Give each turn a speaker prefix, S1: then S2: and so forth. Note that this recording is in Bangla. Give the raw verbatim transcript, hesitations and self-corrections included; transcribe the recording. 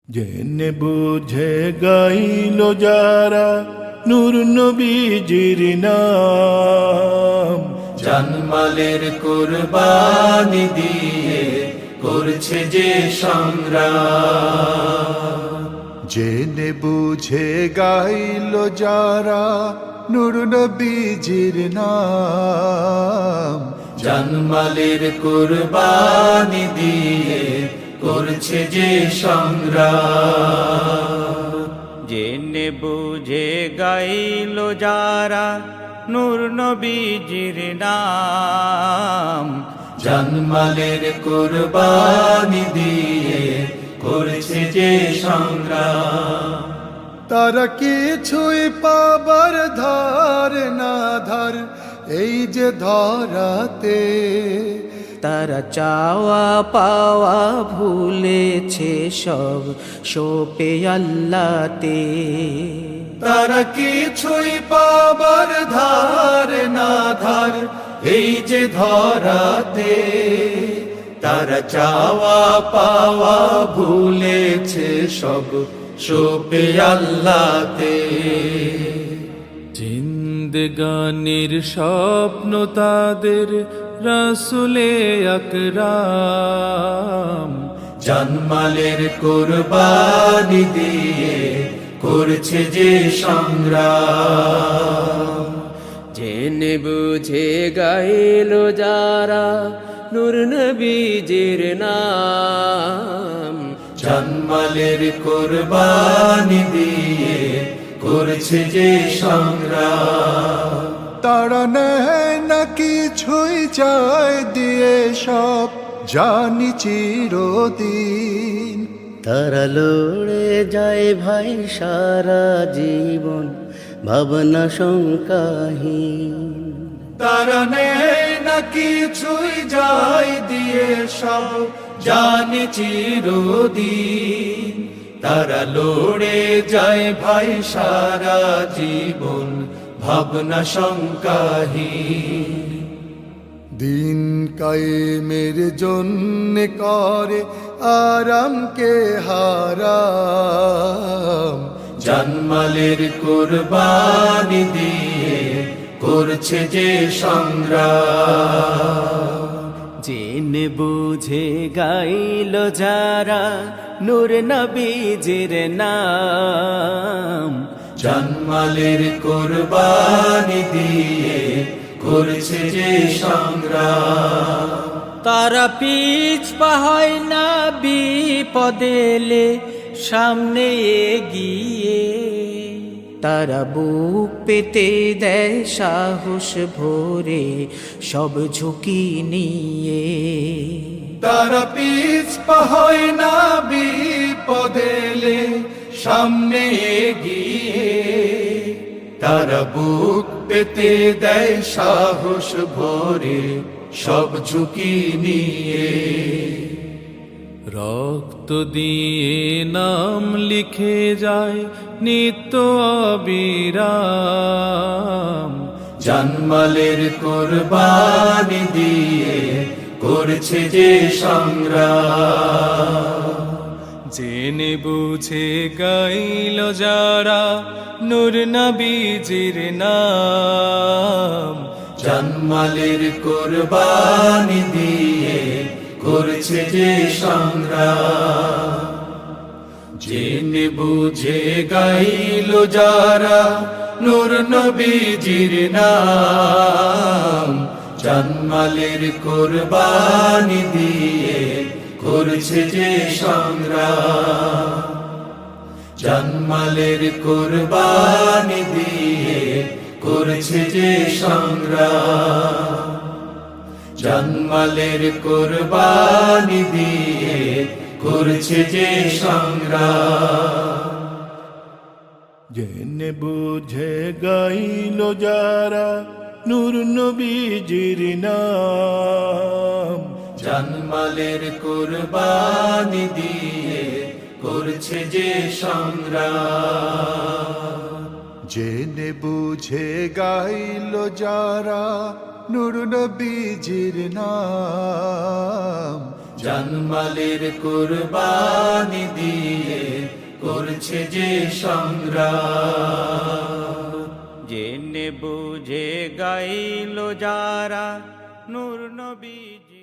S1: জেনে বুঝে গাইল যারা নূর নবীজির নাম,
S2: জানমালের কুরবানি দিয়ে করছে যে সংগ্রাম।
S3: জেনে বুঝে গাইল যারা নূর নবীজির নাম,
S2: জানমালের কুরবানি দিয়ে করছে যে সংগ্রাম।
S4: জেনে বুঝে গাইল যারা নূর নবীজির নাম,
S2: জানমালের কুরবানি দিয়ে করছে যে সংগ্রাম।
S3: তারা কিছুই পাবার ধার না ধার এই যে ধরাতে,
S5: তারা চাওয়া পাওয়া ভুলেছে সব সোপে আল্লাহতে।
S2: তারা কিছুই পাবার ধার না ধার এই যে ধরাতে, তারা চাওয়া পাওয়া ভুলেছে সব সোপে আল্লাহতে।
S6: জিন্দেগানির স্বপ্ন তাদের রাসূলে আকরাম,
S2: জানমালের কুরবানি দিয়ে করছে যে সংগ্রাম।
S5: জেনে বুঝে গাইল যারা নূর নবীজির নাম,
S2: জানমালের কুরবানি দিয়ে করছে যে সংগ্রাম।
S3: তারা নেয় না কিছুই চায় দিয়ে সব জানি চিরদিন।
S7: তারা লড়ে যায় ভাই সারা জীবন ভাবনা শঙ্কাহীন।
S2: তারা নেয় না কিছুই যায় দিয়ে সব জানে চিরদিন। তারা লড়ে যায় ভাই সারা জীবন ভাবনা শঙ্কাহীন।
S3: দিন কায়েমের জন্য করে আরামকে হারাম,
S2: জানমালের কুরবানি দিয়ে করছে যে সংগ্রাম।
S5: জেনে বুঝে গাইল যারা নূর নবীজির নাম,
S2: জানমালের কুরবানি দিয়ে করছে যে সংগ্রাম।
S5: তারা পিছ পা হয় না বিপদেলে সামনে এগিয়ে, তারা বুক পেতে দেয় সাহস ভরে সব ঝুঁকি নিয়ে।
S2: তারা পিছপা হয় না বিপদেলে সামনে এগিয়ে, তারা বুক পেতে দেয় সাহস ভরে সব ঝুঁকি নিয়ে।
S6: রক্ত দিয়ে নাম লিখে যায় নিত্য অবিরাম,
S2: জানমালের কুরবানি দিয়ে করছে যে সংগ্রাম।
S6: জেনে বুঝে গাইল যারা নূর নবীজির নাম,
S2: জানমালের কুরবানি দিয়ে করছে যে সংগ্রাম। জেনে বুঝে গাইল যারা নূর নবীজির নাম, জানমালের কুরবানি দিয়ে করছে যে সংগ্রাম। জানমালের কুরবানি দিয়ে করছে যে সংগ্রাম। জানমালের কুরবানি দিয়ে করছে যে সংগ্রাম।
S1: জেনে বুঝে গাইল যারা নূর নবীজির নাম,
S2: জানমালের কুরবানি দিয়ে করছে যে সংগ্রাম।
S3: জেনে বুঝে গাইল যারা নূর নবীজির নাম,
S2: জানমালের কুরবানি দিয়ে করছে যে সংগ্রাম
S4: জেনে বুঝে গাইল যারা নূর নবীজি